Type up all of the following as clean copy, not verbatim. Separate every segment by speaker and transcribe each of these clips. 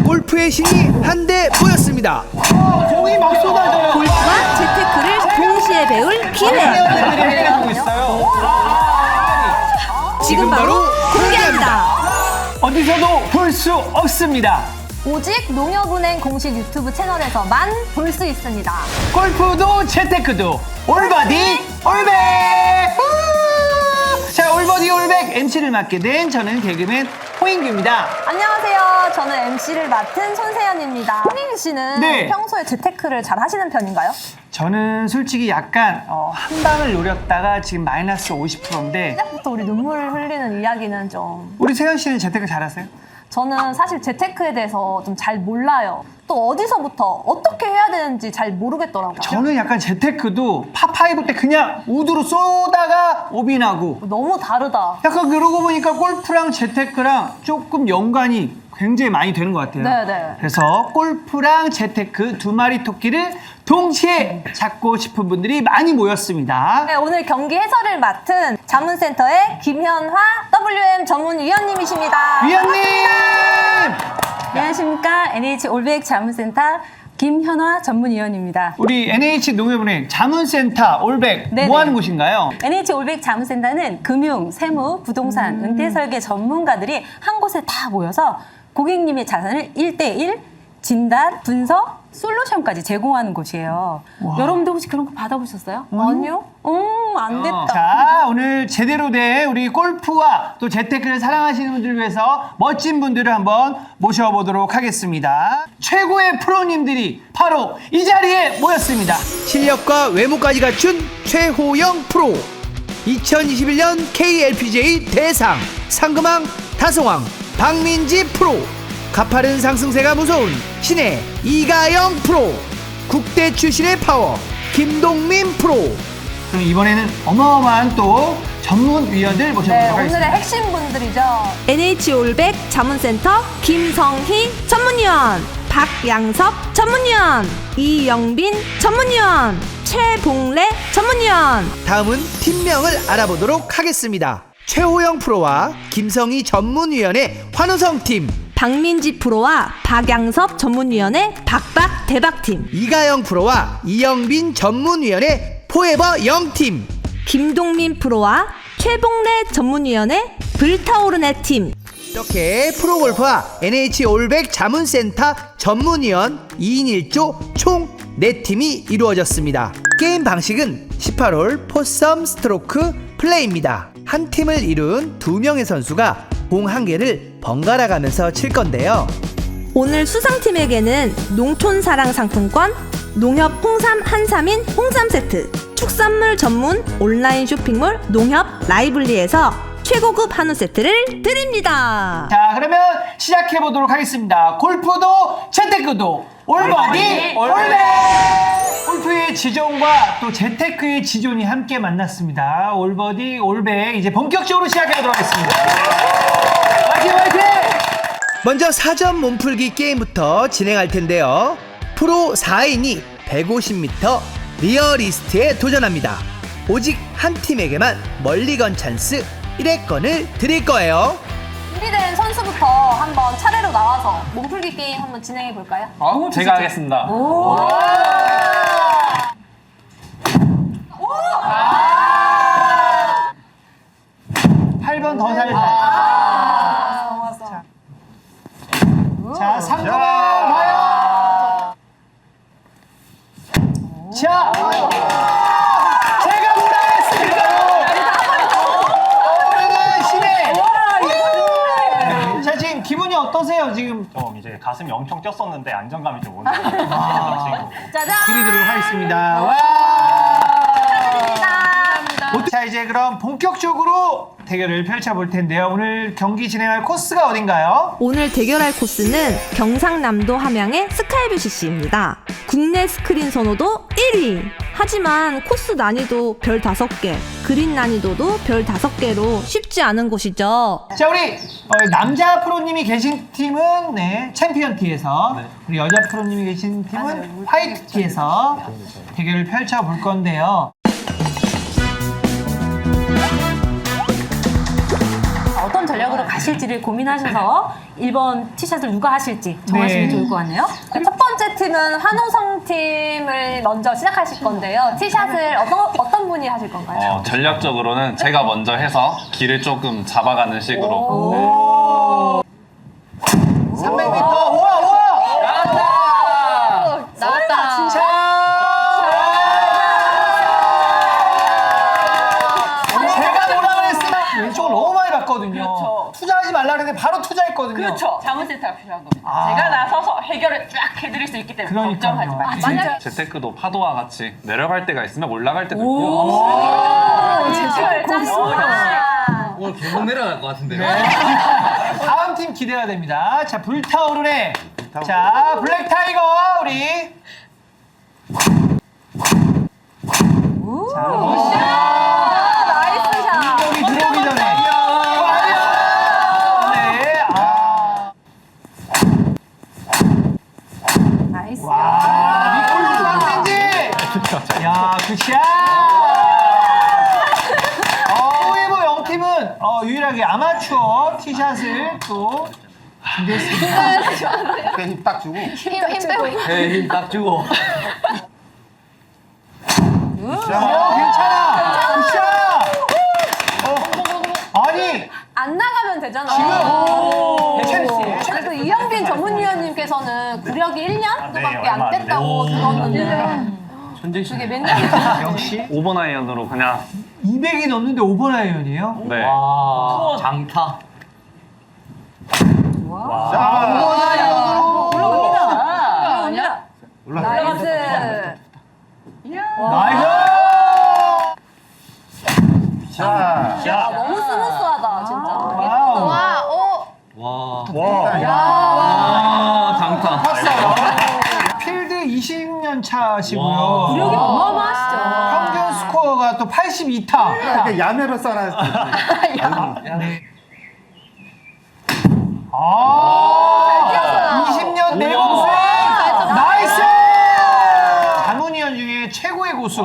Speaker 1: 골프의 신이 한데 모였습니다.
Speaker 2: 공이 막 쏟아져요.
Speaker 3: 골프와 재테크를 동시에 배울 기회.
Speaker 2: 해가지고 있어요.
Speaker 3: 지금 바로 공개합니다.
Speaker 2: 어디서도 볼 수 없습니다.
Speaker 4: 오직 농협은행 공식 유튜브 채널에서만 볼 수 있습니다.
Speaker 2: 골프도 재테크도 올바디 올백! 자, 올바디 올백 MC를 맡게 된 저는 개그맨 홍인규입니다.
Speaker 4: 안녕하세요. 저는 MC를 맡은 손세연입니다. 홍인 씨는
Speaker 2: 네.
Speaker 4: 평소에 재테크를 잘 하시는 편인가요?
Speaker 2: 저는 솔직히 약간 한 방을 노렸다가 지금 마이너스 50%인데
Speaker 4: 시작부터 우리 눈물을 흘리는 이야기는 좀...
Speaker 2: 우리 세연 씨는 재테크 잘하세요?
Speaker 4: 저는 사실 재테크에 대해서 좀 잘 몰라요. 또 어디서부터 어떻게 해야 되는지 잘 모르겠더라고요.
Speaker 2: 저는 약간 재테크도 파5 때 그냥 우드로 쏘다가 오빈하고
Speaker 4: 너무 다르다.
Speaker 2: 약간 그러고 보니까 골프랑 재테크랑 조금 연관이 굉장히 많이 되는 것 같아요.
Speaker 4: 네네.
Speaker 2: 그래서 골프랑 재테크 두 마리 토끼를 동시에 잡고 싶은 분들이 많이 모였습니다.
Speaker 4: 네, 오늘 경기 해설을 맡은 자문센터의 김현화 WM 전문위원님이십니다.
Speaker 2: 위원님!
Speaker 3: 안녕하십니까. NH 올백 자문센터 김현화 전문위원입니다.
Speaker 2: 우리 NH농협은행 자문센터 올백
Speaker 3: 네네.
Speaker 2: 뭐 하는 곳인가요?
Speaker 3: NH 올백 자문센터는 금융, 세무, 부동산, 은퇴 설계 전문가들이 한 곳에 다 모여서 고객님의 자산을 1대1 진단, 분석, 솔루션까지 제공하는 곳이에요. 여러분도 혹시 그런 거 받아보셨어요?
Speaker 4: 아니요?
Speaker 3: 안 됐다.
Speaker 2: 자, 오늘 제대로 된 우리 골프와 또 재테크를 사랑하시는 분들을 위해서 멋진 분들을 한번 모셔보도록 하겠습니다. 최고의 프로님들이 바로 이 자리에 모였습니다.
Speaker 1: 실력과 외모까지 갖춘 최호영 프로. 2021년 KLPGA 대상 상금왕 다성왕 박민지 프로. 가파른 상승세가 무서운 신의 이가영 프로. 국대 출신의 파워 김동민 프로.
Speaker 2: 그럼 이번에는 어마어마한 또 전문위원들 모셔보도록
Speaker 4: 네, 오늘의
Speaker 2: 하겠습니다.
Speaker 4: 핵심 분들이죠.
Speaker 3: NH 올백 자문센터 김성희 전문위원, 박양섭 전문위원, 이영빈 전문위원, 최봉래 전문위원.
Speaker 1: 다음은 팀명을 알아보도록 하겠습니다. 최호영 프로와 김성희 전문위원의 환호성 팀,
Speaker 3: 박민지 프로와 박양섭 전문위원의 박박 대박팀,
Speaker 1: 이가영 프로와 이영빈 전문위원의 포에버 영팀,
Speaker 3: 김동민 프로와 최봉래 전문위원의 불타오르네 팀.
Speaker 1: 이렇게 프로골프와 NH 올백 자문센터 전문위원 2인 1조 총 4팀이 이루어졌습니다. 게임 방식은 18홀 포섬 스트로크 플레이입니다. 한 팀을 이룬 2명의 선수가 공 한 개를 번갈아 가면서 칠 건데요.
Speaker 3: 오늘 수상팀에게는 농촌사랑 상품권, 농협 홍삼 한삼인 홍삼 세트, 축산물 전문 온라인 쇼핑몰 농협 라이블리에서 최고급 한우 세트를 드립니다.
Speaker 2: 자, 그러면 시작해보도록 하겠습니다. 골프도 재테크도 올바디 올백! 골프의 지존과 또 재테크의 지존이 함께 만났습니다. 올바디 올백 이제 본격적으로 시작해보도록 하겠습니다. 화이팅 화이팅!
Speaker 1: 먼저 사전 몸풀기 게임부터 진행할 텐데요. 프로 4인이 150m 리어리스트에 도전합니다. 오직 한 팀에게만 멀리건 찬스 1회권을 드릴 거예요.
Speaker 4: 준비된 선수부터 한번 차례로 나와서 몸풀기 게임 한번 진행해 볼까요?
Speaker 5: 제가 하겠습니다.
Speaker 2: 8번 더 살자. 자, 상금은 과연! 자! 제가 뭐라 했습니까? 오늘은 신의! 자, 지금 기분이 어떠세요, 지금?
Speaker 5: 좀 이제 가슴이 엄청 뛰었었는데 안정감이 좀 오는 친구.
Speaker 4: 짜잔!
Speaker 2: 드리도록 하겠습니다. 와! 자, 이제 그럼 본격적으로 대결을 펼쳐볼 텐데요. 오늘 경기 진행할 코스가 어딘가요?
Speaker 3: 오늘 대결할 코스는 경상남도 함양의 스카이뷰 CC입니다. 국내 스크린 선호도 1위! 하지만 코스 난이도 별 5개, 그린 난이도도 별 5개로 쉽지 않은 곳이죠.
Speaker 2: 자, 우리 남자 프로님이 계신 팀은 네, 챔피언 티에서 우리 여자 프로님이 계신 팀은 화이트 티에서 대결을 펼쳐볼 건데요.
Speaker 4: 어떤
Speaker 3: 전략으로 가실지를 고민하셔서 1번 티샷을 누가 하실지 정하시면
Speaker 2: 네.
Speaker 3: 좋을 것 같네요.
Speaker 4: 첫 번째 팀은 한호성 팀을 먼저 시작하실 건데요. 티샷을 어떤 분이 하실 건가요?
Speaker 5: 전략적으로는 제가 먼저 해서 길을 조금 잡아가는 식으로.
Speaker 2: 300m. 우와, 우와!
Speaker 4: 나왔다. 진짜.
Speaker 2: 제가 뭐라 그랬으면 왼쪽을 너무 많이 봤거든요. 투자하지 말라 그랬는데 바로 투자했거든요.
Speaker 6: 그렇죠. 자문센터가 필요한 겁니다.
Speaker 2: 아.
Speaker 6: 제가 나서서 해결을 쫙 해드릴 수 있기 때문에
Speaker 2: 그러니까요.
Speaker 6: 걱정하지 마세요.
Speaker 4: 만약에
Speaker 5: 재테크도 파도와 같이 내려갈 때가 있으면 올라갈 때도 있고.
Speaker 6: 제발 짱이다.
Speaker 7: 오늘 계속 내려갈 것 같은데요.
Speaker 2: 다음 팀 기대가 됩니다. 자, 불타오르네. 자, 블랙 타이거 우리.
Speaker 4: 나이스 샷.
Speaker 2: 공격이 들어오기 전에. 네.
Speaker 3: 나이스.
Speaker 2: 와, 미골드 쌍센지. 야, 굿샷. 호에버 영팀은 유일하게 아마추어 티샷을 또 준비했습니다.
Speaker 8: 힘 딱 주고.
Speaker 4: 힘 빼고.
Speaker 7: 힘 딱 주고.
Speaker 2: 괜찮아. 굿샷. 아니,
Speaker 4: 안 나가면 되잖아.
Speaker 2: 지금
Speaker 4: 그래도 이영빈 전문위원님께서는 구력이 1년도밖에
Speaker 5: 네,
Speaker 4: 안
Speaker 5: 얼마 안
Speaker 4: 됐다고 들었는데 그게 몇 년이죠?
Speaker 2: 역시
Speaker 5: 5번 아이언으로 그냥
Speaker 2: 200이 넘는데 5번 아이언이에요?
Speaker 5: 네.
Speaker 7: 와, 장타.
Speaker 2: 자, 5번 아이언으로
Speaker 3: 올라갑니다.
Speaker 4: 나이스.
Speaker 2: 나이스!
Speaker 8: 자,
Speaker 4: 야, 너무 스무스하다, 진짜.
Speaker 2: 와우.
Speaker 7: 와.
Speaker 2: 와.
Speaker 7: 장타.
Speaker 2: 필드 20년 차시고요.
Speaker 7: 와.
Speaker 3: 구력이 어마어마하시죠.
Speaker 2: 평균 스코어가 또 82타.
Speaker 8: 이렇게 야매로 써놨을 때.
Speaker 2: 네. 아, 20년 내공생 나이스! 장훈이현 중에 최고의 고수.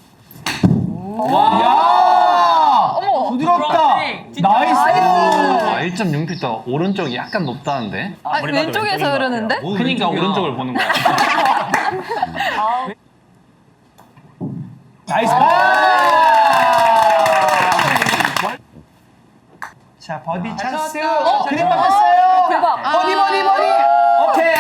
Speaker 2: 야, 부드럽다. 나이스.
Speaker 5: 1.6m 오른쪽이 약간 높다는데.
Speaker 6: 왼쪽에서 흐르는데?
Speaker 5: 그러니까 오른쪽을 보는 거야.
Speaker 2: 나이스. 자, 버디 찬스. 그림 바꿨어요.
Speaker 4: 대박.
Speaker 2: 버디. 오케이.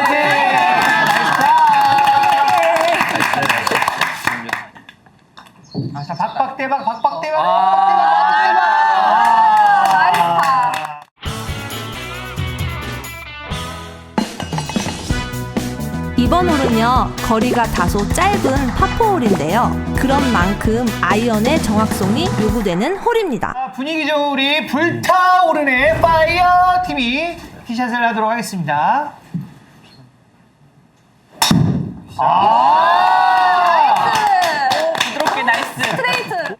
Speaker 2: 나이스. 자, 박박대박.
Speaker 9: 이번 홀은요, 거리가 다소 짧은 파포홀인데요. 그런 만큼 아이언의 정확성이 요구되는 홀입니다.
Speaker 2: 자, 분위기 좋은 우리 불타오르네 파이어 팀이 티샷을 하도록 하겠습니다.
Speaker 6: 부드럽게 나이스.
Speaker 4: 스트레이트.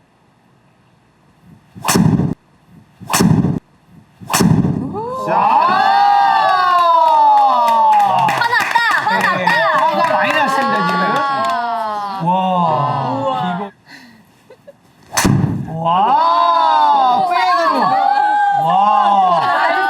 Speaker 2: 화가 많이 났습니다, 지금. 와. 이거. 와. 페이드로. 와.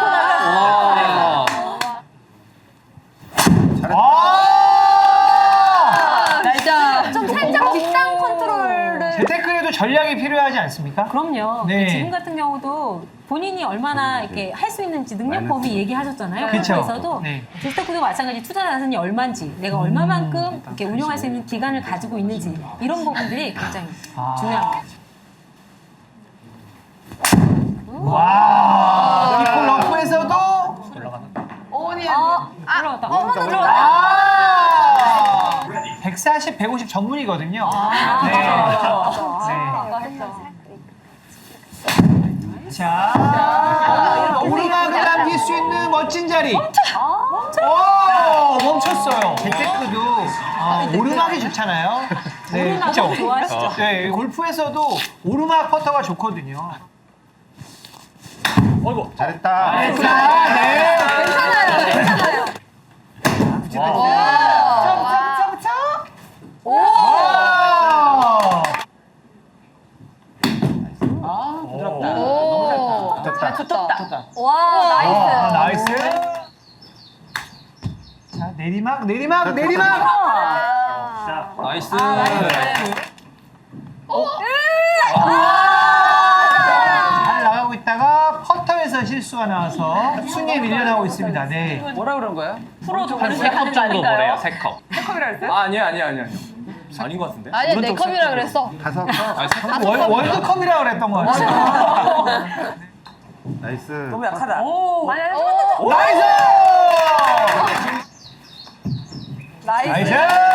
Speaker 4: 좀 살짝 뒷땅 컨트롤을.
Speaker 2: 재테크에도 전략이 필요하지 않습니까?
Speaker 3: 그럼요.
Speaker 2: 네.
Speaker 3: 지금 같은 경우도 본인이 얼마나 이렇게 할 수 있는지 능력 범위 얘기하셨잖아요.
Speaker 2: 그쵸.
Speaker 3: 그래서도
Speaker 2: 네.
Speaker 3: 재테크도 마찬가지 투자 자산이 얼마인지, 내가 얼마만큼 이렇게 운용할 수 있는 기간을 가지고 있는지 이런 부분들이 굉장히 중요합니다.
Speaker 2: 와. 이폴 러프에서도
Speaker 3: 올라갔다.
Speaker 2: 140, 150 전문이거든요. 네. 자, 오르막을 남길 수 있는 멋진 자리. 멈췄어요. 재테크도 오르막이 좋잖아요. 네,
Speaker 3: 오르막을
Speaker 2: 그쵸?
Speaker 3: 좋아하시죠?
Speaker 2: 네, 골프에서도 오르막 퍼터가 좋거든요.
Speaker 8: 잘했다.
Speaker 2: 자, 네.
Speaker 4: 괜찮아요.
Speaker 8: 좋다.
Speaker 2: 자, 내리막, 내리막, 내리막.
Speaker 7: 나이스.
Speaker 2: 잘 나가고 있다가 퍼터에서 실수가 나와서 순위에 밀려나고 있습니다. 네.
Speaker 7: 뭐라 그런 거야?
Speaker 6: 프로도
Speaker 5: 한
Speaker 6: 모르게
Speaker 5: 3컵
Speaker 6: 하는 거
Speaker 5: 정도 보래요,
Speaker 6: 아닌가요?
Speaker 5: 3컵.
Speaker 7: 아니야. 아닌 것 같은데?
Speaker 6: 아니 내 컵이라 그랬어.
Speaker 8: 5컵.
Speaker 2: 월드컵이라고 그랬던 것 같아요.
Speaker 8: 나이스.
Speaker 7: 너무 약하다.
Speaker 2: 나이스! 나이스!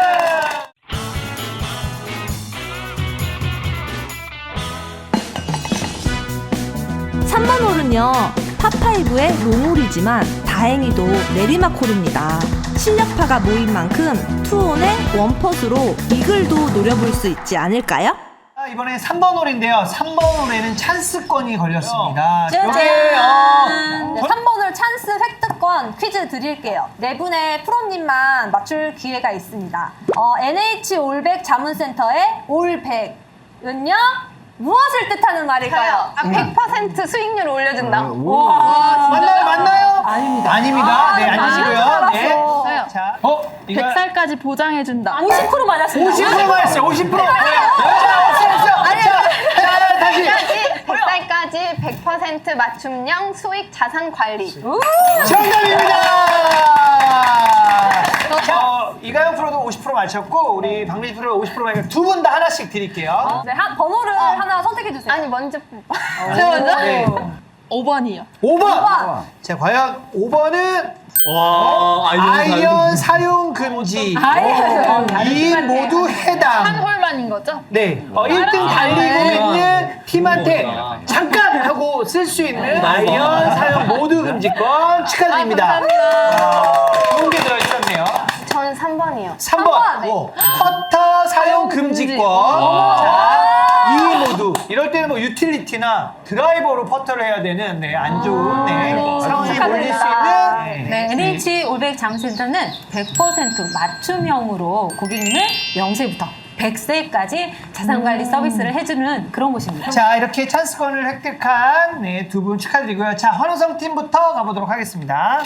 Speaker 9: 3번 홀은요, 파5의 롱홀이지만 다행히도 내리막 홀입니다. 실력파가 모인 만큼 투혼의 원퍼스로 이글도 노려볼 수 있지 않을까요?
Speaker 2: 자, 이번에 3번 홀인데요. 3번 홀에는 찬스권이 걸렸습니다.
Speaker 3: 짜잔!
Speaker 2: 요게,
Speaker 4: 네, 3번을 찬스 획득권 퀴즈 드릴게요. 네 분의 프로님만 맞출 기회가 있습니다. NH 올백 자문센터의 올백은요? 무엇을 뜻하는 말일까요?
Speaker 6: 100% 수익률 올려준다.
Speaker 2: 맞나요? 아닙니다. 아닙니다. 네, 앉으시고요. 네.
Speaker 6: 저요.
Speaker 2: 자, 이거
Speaker 6: 100살까지 보장해준다.
Speaker 3: 50% 맞았습니다.
Speaker 2: 50% 맞았어요. 50%. 자, 다시.
Speaker 6: 100살까지 100% 맞춤형 수익 자산 관리.
Speaker 2: 정답입니다. 이가영 프로도 50% 맞췄고 우리 박민지 프로가 50% 맞으니까 두 분 다 하나씩 드릴게요.
Speaker 4: 네, 번호를 하나 선택해 주세요.
Speaker 6: 아니 먼저 제가 먼저?
Speaker 2: 네.
Speaker 6: 5번이요.
Speaker 2: 5번. 자, 과연 5번은
Speaker 7: 와,
Speaker 2: 아이언 사용 금지. 이 모두 해당.
Speaker 6: 한 홀만인 거죠?
Speaker 2: 네. 1등 달리고 있는 팀한테 잠깐 하고 쓸 수 있는 아이언 사용 모두 금지권 축하드립니다. 좋은 게 들어있었네요.
Speaker 6: 저는 3번이요.
Speaker 2: 3번. 퍼터 사용 금지권. 자, 이 모두. 이럴 때는 뭐 유틸리티나 드라이버로 퍼터를 해야 되는 안 좋은 상황이 몰릴 수 있는.
Speaker 3: 네, NH 올백 자문센터는 100% 맞춤형으로 고객님을 0세부터 100세까지 자산관리 서비스를 해주는 그런 곳입니다.
Speaker 2: 자, 이렇게 찬스권을 획득한 두 분 축하드리고요. 자, 환호성 팀부터 가보도록 하겠습니다.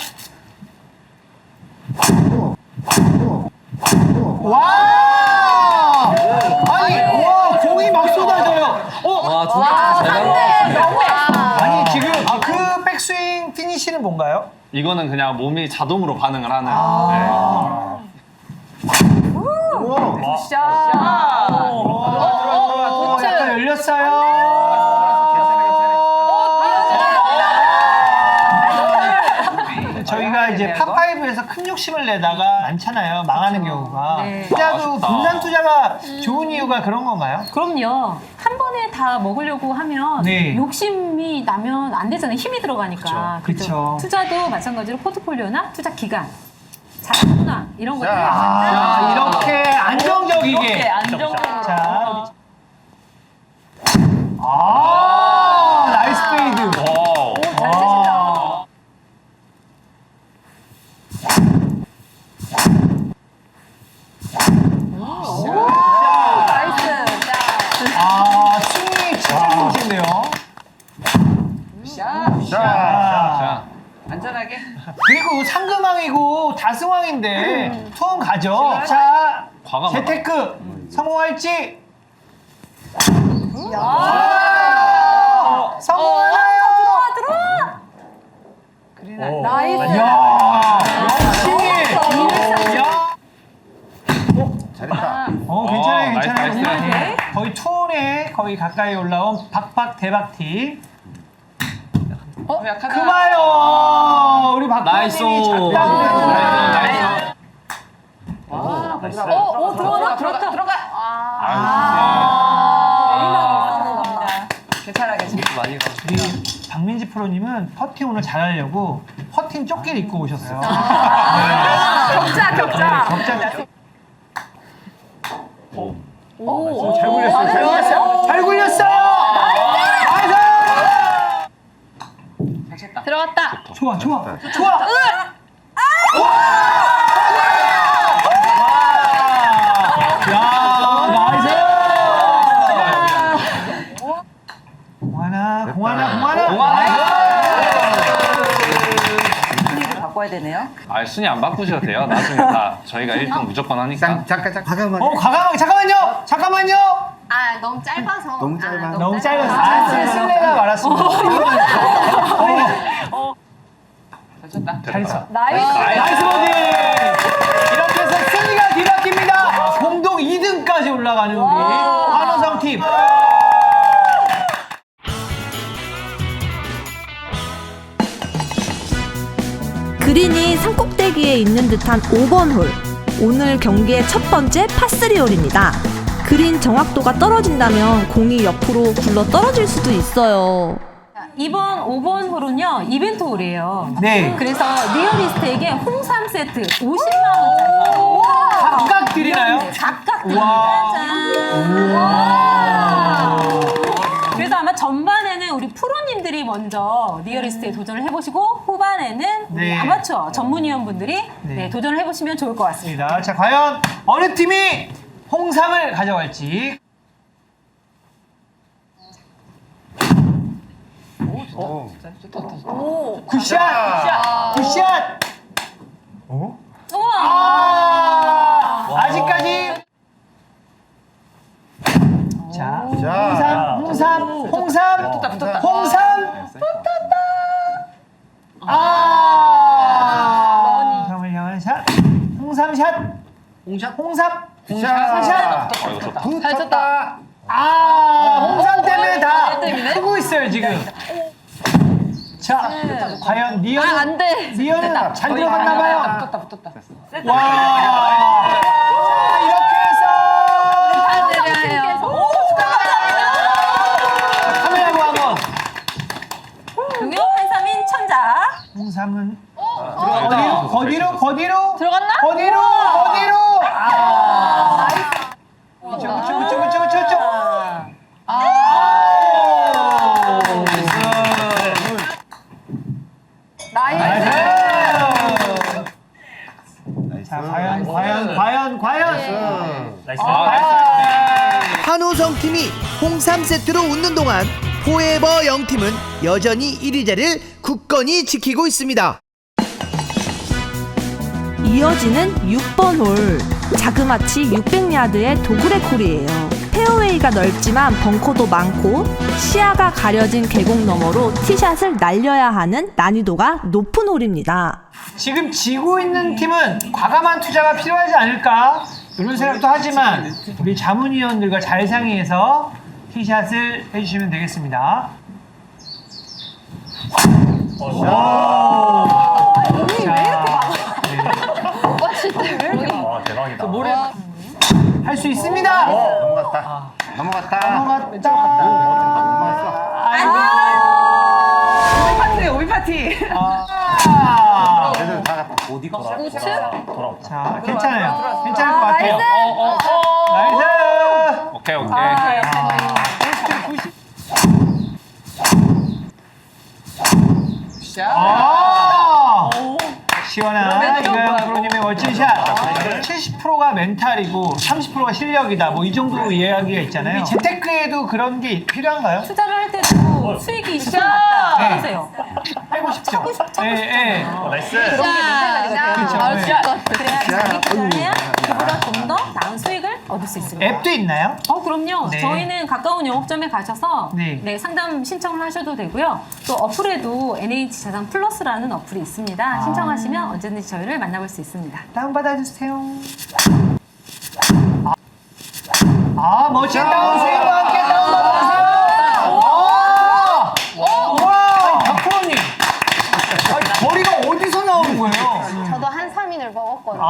Speaker 2: 와! 아니, 와, 공이 막 쏟아져요.
Speaker 7: 와, 잘 나가.
Speaker 2: 아니, 지금 그 백스윙 피니시는 뭔가요?
Speaker 5: 이거는 그냥 몸이 자동으로 반응을 하는.
Speaker 2: 약간 열렸어요. 저희가 이제 파5에서 큰 욕심을 내다가 많잖아요. 망하는 경우가. 투자도 분산 투자가 좋은 이유가 그런 건가요?
Speaker 3: 그럼요. 한 번에 다 먹으려고 하면
Speaker 2: 네.
Speaker 3: 욕심이 나면 안 되잖아요. 힘이 들어가니까.
Speaker 2: 그쵸.
Speaker 3: 그죠? 투자도 마찬가지로 포트폴리오나 투자 기간, 자산분할 이런 것들.
Speaker 2: 이렇게 안정적이게.
Speaker 6: 안정적으로.
Speaker 2: 자, 나이스 페이드.
Speaker 5: 오.
Speaker 2: 스윙이 진짜 좋으신데요.
Speaker 8: 자,
Speaker 7: 안전하게.
Speaker 2: 그리고 상금왕이고 다승왕인데 투혼 가죠. 자,
Speaker 5: 과감하다.
Speaker 2: 재테크 성공할지. 성공하나요?
Speaker 4: 나이스.
Speaker 2: 이야, 역시. 야.
Speaker 8: 잘했다.
Speaker 2: 괜찮아요,
Speaker 5: 나이스,
Speaker 2: 괜찮아요.
Speaker 5: 나이스.
Speaker 2: 네. 거의 투혼에 거의 가까이 올라온 박박 대박팀.
Speaker 7: 약하다.
Speaker 2: 그봐요, 우리
Speaker 7: 나이스.
Speaker 2: 박박님이 작다고
Speaker 5: 나이스.
Speaker 2: 했는데.
Speaker 4: 들어가.
Speaker 6: 들어가.
Speaker 7: 괜찮아. 많이 가.
Speaker 2: 우리 박민지 프로님은 퍼팅 오늘 잘하려고 퍼팅 조끼를 입고 오셨어요.
Speaker 4: 격자.
Speaker 2: 격자. 잘 굴렸어요. 잘 굴렸어요. 나이스.
Speaker 6: 들어갔다.
Speaker 2: 좋아. 공하나.
Speaker 3: 바꿔야 되는데. 되네요.
Speaker 5: 아, 순위 안 바꾸셔도 돼요. 나중에 다 저희가 1등 무조건 하니까.
Speaker 8: 잠깐 과감하게.
Speaker 2: 과감하게 잠깐만요.
Speaker 6: 아, 너무 짧아서.
Speaker 8: 너무 짧아.
Speaker 2: 너무 짧았어. 실례가 많았습니다. 잘했어. 나이스 버디. 이렇게 해서 순위가 뒤바뀝니다. 공동 2등까지 올라가는 우리 한호성 팀.
Speaker 9: 그린이 산꼭대기에 있는 듯한 5번 홀. 오늘 경기의 첫 번째 파3 홀입니다. 그린 정확도가 떨어진다면 공이 옆으로 굴러 떨어질 수도 있어요.
Speaker 3: 이번 5번 홀은요, 이벤트 홀이에요.
Speaker 2: 네.
Speaker 3: 그래서 리얼리스트에게 홍삼 세트 50만원짜리.
Speaker 2: 각각 드리나요?
Speaker 3: 각각 드립니다. 그래서 아마 전반에는 우리 프로님들이 먼저 리얼리스트에 도전을 해보시고 후반에는 우리
Speaker 2: 네.
Speaker 3: 아마추어 전문위원분들이
Speaker 2: 네.
Speaker 3: 도전을 해보시면 좋을 것 같습니다.
Speaker 2: 자, 과연 어느 팀이 홍삼을 가져갈지. 굿샷.
Speaker 3: 우와!
Speaker 2: 아직까지. 자, 홍삼. 홍삼을 향한 샷. 홍삼 샷. 홍삼.
Speaker 6: 잘 쳤다.
Speaker 2: 홍삼 때문에 다 크고 있어요, 지금. 자, 과연
Speaker 6: 안 돼.
Speaker 2: 리언은 잘 들어갔나봐요. 붙었다. 와. 자, 이렇게 해서. 카메라고 한번.
Speaker 3: 동요 한삼인 천자.
Speaker 2: 홍삼은 거기로
Speaker 6: 들어갔나?
Speaker 2: 거기로. 그쵸. 자, 과연. 한호성 팀이 홍삼 세트로 웃는 동안 포에버 영팀은 여전히 1위 자리를 굳건히 지키고 있습니다.
Speaker 9: 이어지는 6번 홀. 자그마치 600야드의 도그레 콜이에요. 페어웨이가 넓지만 벙커도 많고 시야가 가려진 계곡 너머로 티샷을 날려야 하는 난이도가 높은 홀입니다.
Speaker 2: 지금 지고 있는 팀은 과감한 투자가 필요하지 않을까 이런 생각도 하지만 우리 자문위원들과 잘 상의해서 티샷을 해주시면 되겠습니다. 할 수 있습니다. 넘어갔다.
Speaker 7: 오비 파티.
Speaker 2: 자, 괜찮아요. 괜찮을 것 같아요. 나이스.
Speaker 5: 오케이.
Speaker 2: 시원한 이가영 프로님의 멋진 샷. 70%가 멘탈이고 30%가 실력이다. 뭐 이 정도 이야기가 있잖아요. 재테크에도 그런 게 필요한가요?
Speaker 3: 투자를 할 때도 수익이 있을 것 같다. 해보세요.
Speaker 2: 빼고 싶죠. 예.
Speaker 8: 나이스.
Speaker 2: 그렇죠.
Speaker 3: 그래야 자기 투자를 해야 그보다 좀 더 나은 수익을 얻을 수 있습니다.
Speaker 2: 앱도 있나요?
Speaker 3: 그럼요.
Speaker 2: 네.
Speaker 3: 저희는 가까운 영업점에 가셔서
Speaker 2: 네.
Speaker 3: 상담 신청을 하셔도 되고요. 또 어플에도 NH 자산 플러스라는 어플이 있습니다. 신청하시면 언제든지 저희를 만나볼 수 있습니다.
Speaker 2: 다운받아주세요. 멋진 다운스윙과 함께 다운받아주세요. 와, 박프로님. 거리가 어디서 나오는 거예요?
Speaker 6: 저도 한삼인을 먹었거든요.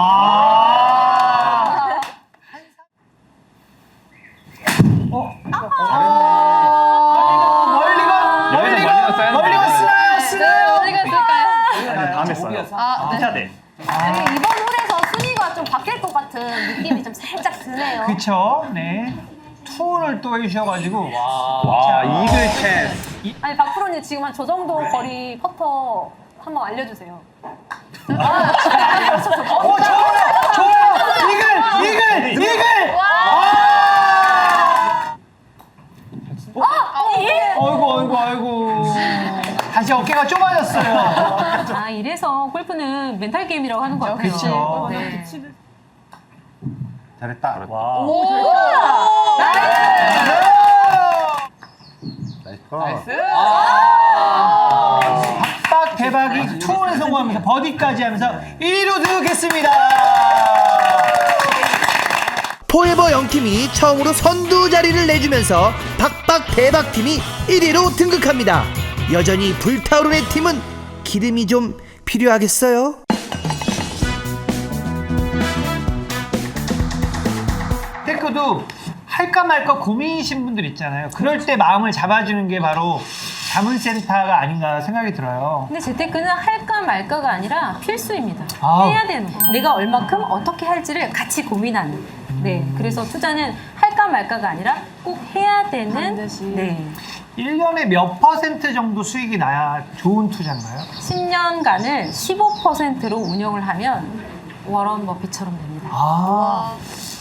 Speaker 2: 멀리가 쓰나요?
Speaker 6: 어디 갔을까요?
Speaker 8: 다음에 써요.
Speaker 6: 네. 이번 홀에서 순위가 좀 바뀔 것 같은 느낌이 좀 살짝 드네요.
Speaker 2: 그쵸, 네. 투혼을 또 해주셔가지고.
Speaker 5: 와, 이글 찬스.
Speaker 4: 아니 박프로님 지금 한 저 정도 거리 퍼터 한번 알려주세요.
Speaker 2: 좋아요! 이글! 아이고. 다시 어깨가 좁아졌어요.
Speaker 3: 이래서 골프는 멘탈 게임이라고 하는 것 같아요.
Speaker 2: 그쵸.
Speaker 3: 네.
Speaker 8: 잘했다.
Speaker 7: 와.
Speaker 8: 나이스.
Speaker 2: 빡 대박이 투혼에 성공하면서 버디까지 하면서 1위로 등극했습니다.
Speaker 1: 포에버 영팀이 처음으로 선두 자리를 내주면서 박박 대박팀이 1위로 등극합니다. 여전히 불타오르는 팀은 기름이 좀 필요하겠어요?
Speaker 2: 테크도 할까 말까 고민이신 분들 있잖아요. 그럴 때 마음을 잡아주는 게 바로 자문센터가 아닌가 생각이 들어요.
Speaker 3: 근데 재테크는 할까 말까가 아니라 필수입니다.
Speaker 2: 아.
Speaker 3: 해야 되는 거. 내가 얼마큼 어떻게 할지를 같이 고민하는. 네, 그래서 투자는 할까 말까가 아니라 꼭 해야 되는.
Speaker 4: 반드시.
Speaker 3: 네,
Speaker 2: 1년에 몇 % 정도 수익이 나야 좋은 투자인가요?
Speaker 3: 10년간을 15%로 운영을 하면 워런 버핏처럼 됩니다.
Speaker 2: 아.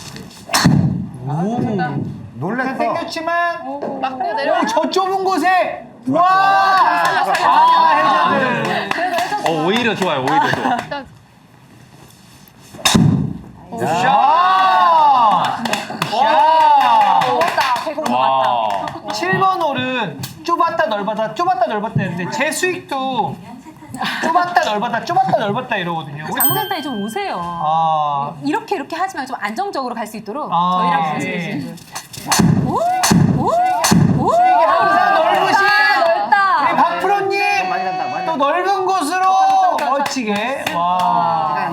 Speaker 2: 오.
Speaker 8: 놀랬어.
Speaker 2: 생겼지만
Speaker 6: 막 내려.
Speaker 2: 저 좁은 곳에 와! 해저드.
Speaker 5: 오히려 좋아요. 오히려 좋아.
Speaker 2: 샷! 샷!
Speaker 4: 먹었다. 배고파.
Speaker 5: 와.
Speaker 2: 7번 홀은 좁았다 넓었다 했는데 제 수익도 좁았다 넓었다 이러거든요. 우리
Speaker 3: 자문센터에 좀 오세요.
Speaker 2: 아.
Speaker 3: 이렇게 하지 말고 좀 안정적으로 갈 수 있도록
Speaker 2: 아,
Speaker 3: 저희랑
Speaker 2: 예.
Speaker 3: 말씀해주신 분.
Speaker 2: 수익이 항상 넓으신
Speaker 4: 넓다.
Speaker 2: 우리 박프로님
Speaker 8: 많이 간다, 많이
Speaker 2: 또 넓은 곳으로 멋지게 와.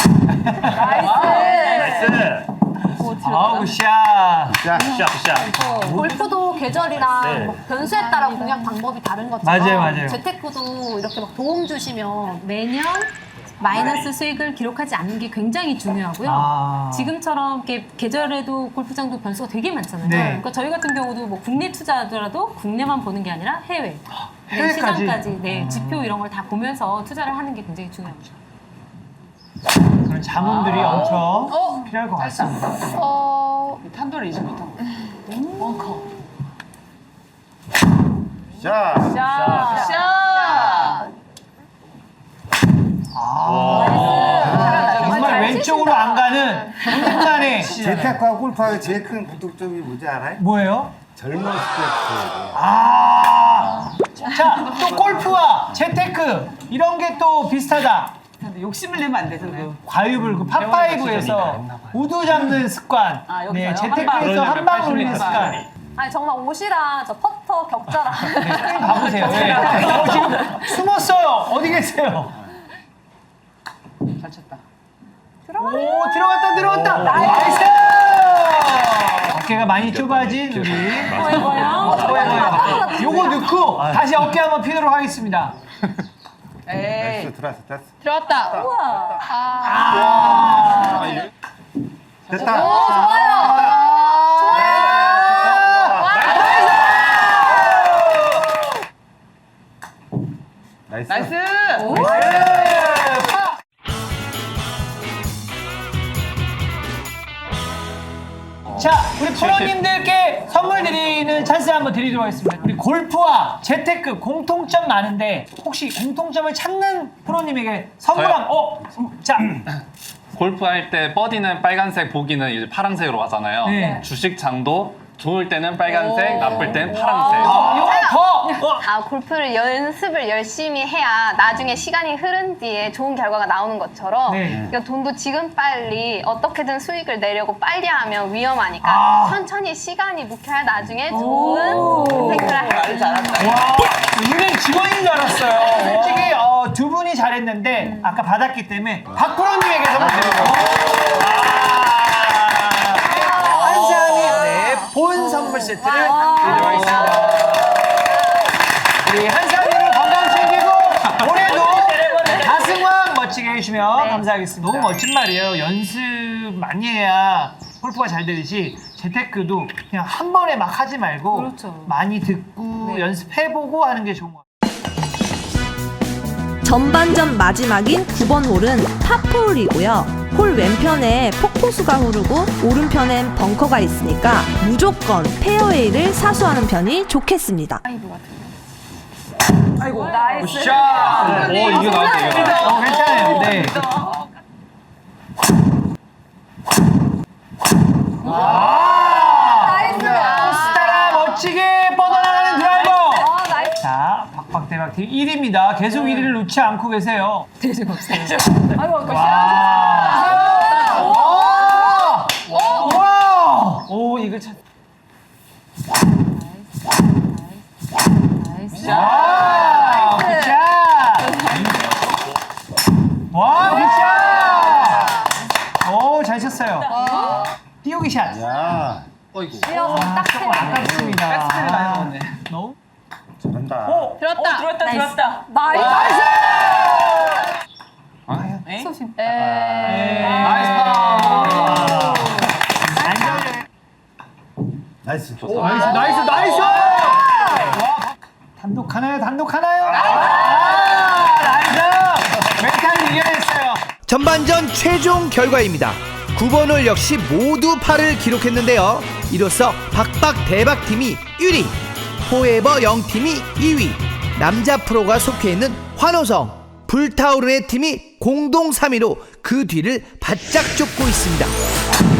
Speaker 8: 나이스.
Speaker 2: 아우 샷.
Speaker 8: 자, 샷.
Speaker 6: 골프도 계절이랑
Speaker 8: 네.
Speaker 6: 뭐 변수에 따라 공략 방법이 다른 것처럼
Speaker 2: 맞아요.
Speaker 6: 재테크도 이렇게 막 도움 주시면
Speaker 3: 매년 마이너스 수익을 기록하지 않는 게 굉장히 중요하고요.
Speaker 2: 아.
Speaker 3: 지금처럼 이렇게 계절에도 골프장도 변수가 되게 많잖아요.
Speaker 2: 네.
Speaker 3: 그러니까 저희 같은 경우도 뭐 국내 투자하더라도 국내만 보는 게 아니라 해외,
Speaker 2: 해외까지?
Speaker 3: 시장까지, 네, 지표 이런 걸 다 보면서 투자를 하는 게 굉장히 중요합니다.
Speaker 2: 그런 자문들이 엄청 필요할 것 같습니다.
Speaker 7: 탄도를 잊지 못한 거.
Speaker 8: 샷.
Speaker 2: 정말 왼쪽으로 안 가는 순간에
Speaker 8: 재테크와 골프하고 제일 큰 공통점이 뭔지 알아요?
Speaker 2: 뭐예요?
Speaker 8: 젊었을 때.
Speaker 2: 아, 자, 또 골프와 재테크 이런 게 또 비슷하다.
Speaker 7: 욕심을 내면 안 되잖아요.
Speaker 2: 과유불 그 팝파이브에서 우두 잡는 습관,
Speaker 7: 여기서요?
Speaker 2: 네, 재테크에서 한 방 올리는 습관.
Speaker 4: 아니 정말 옷이랑 저 퍼터 격자랑
Speaker 2: 네, 가보세요. 네. 지금 숨었어요. 어디 계세요?
Speaker 7: 잘 쳤다.
Speaker 2: 오, 들어갔다. 나이스! 어깨가 많이 좁아진 우리
Speaker 3: 뭐예요?
Speaker 2: 요거 넣고 다시 어깨 한번 피도록 하겠습니다.
Speaker 8: 나이스. 들어왔어.
Speaker 6: 들어왔다.
Speaker 8: 됐다. 나이스.
Speaker 7: 나이스.
Speaker 2: 자, 우리 프로님들께 선물 드리는 찬스 한번 드리도록 하겠습니다. 우리 골프와 재테크 공통점 많은데 혹시 공통점을 찾는 프로님에게 선물
Speaker 5: 저요?
Speaker 2: 자,
Speaker 5: 골프 할 때 버디는 빨간색, 보기는 이제 파란색으로 하잖아요.
Speaker 2: 네.
Speaker 5: 주식장도 좋을 때는 빨간색, 나쁠 때는 파란색.
Speaker 6: 골프를 연습을 열심히 해야 나중에 시간이 흐른 뒤에 좋은 결과가 나오는 것처럼
Speaker 2: 네.
Speaker 6: 그러니까 돈도 지금 빨리 어떻게는 수익을 내려고 빨리 하면 위험하니까 천천히 시간이 묵혀야 나중에 좋은 선택을 할 수 있는
Speaker 2: 와, 은행 직원인 줄 알았어요. 솔직히 두 분이 잘했는데 아까 받았기 때문에 박 프로님에게 선물 드리고 한상이 본 선물 세트를 드리도록 하겠습니다. 우리 한상이를 건강 챙기고 올해도 가슴왕 멋지게 해주시면 감사하겠습니다. 너무 멋진 말이에요. 연습 많이 해야 골프가 잘 되듯이 재테크도 그냥 한 번에 막 하지 말고
Speaker 3: 그렇죠.
Speaker 2: 많이 듣고 연습해보고 하는 게 좋은 것 같아요.
Speaker 9: 전반전 마지막인 9번 홀은 파4홀이고요. 홀 왼편에 폭포수가 흐르고 오른편엔 벙커가 있으니까 무조건 페어웨이를 사수하는 편이 좋겠습니다.
Speaker 7: 아이고.
Speaker 4: 나이스.
Speaker 2: 샷!
Speaker 5: 오, 이게 나왔다, 이게 나왔다.
Speaker 2: 괜찮아요. 네.
Speaker 4: 나이스.
Speaker 2: 스타라 멋지게 뻗어나가는 드라이버.
Speaker 4: 나이스.
Speaker 2: 자, 박박대박팀 1위입니다. 계속 1위를 놓지 않고 계세요.
Speaker 4: 아이고,
Speaker 2: 와!
Speaker 7: 오, 이글 찾.
Speaker 2: 와! 굿샷! 와, 굿샷! 오, 잘 쳤어요. 띄우기 샷.
Speaker 8: 야,
Speaker 4: 이어서 딱 세네.
Speaker 2: 아깝습니다.
Speaker 7: 백스텝이 많이 나오네.
Speaker 2: 너무?
Speaker 8: 잘한다.
Speaker 6: 들었다.
Speaker 7: 들었다,
Speaker 3: 나이스.
Speaker 7: 들었다.
Speaker 4: 나이스.
Speaker 7: 에?
Speaker 4: 소심.
Speaker 2: 나이스 파!
Speaker 8: 나이스.
Speaker 2: 나이스, 나이스, 나이스! 와, 단독 하나요, 단독 하나요? 나이스! 멘탈을 이겨냈어요. 전반전 최종 결과입니다. 9번 홀 역시 모두 파를 기록했는데요. 이로써 박박 대박 팀이 1위, 포에버 영팀이 2위, 남자 프로가 속해 있는 환호성, 불타오르네 팀이 공동 3위로 그 뒤를 바짝 쫓고 있습니다.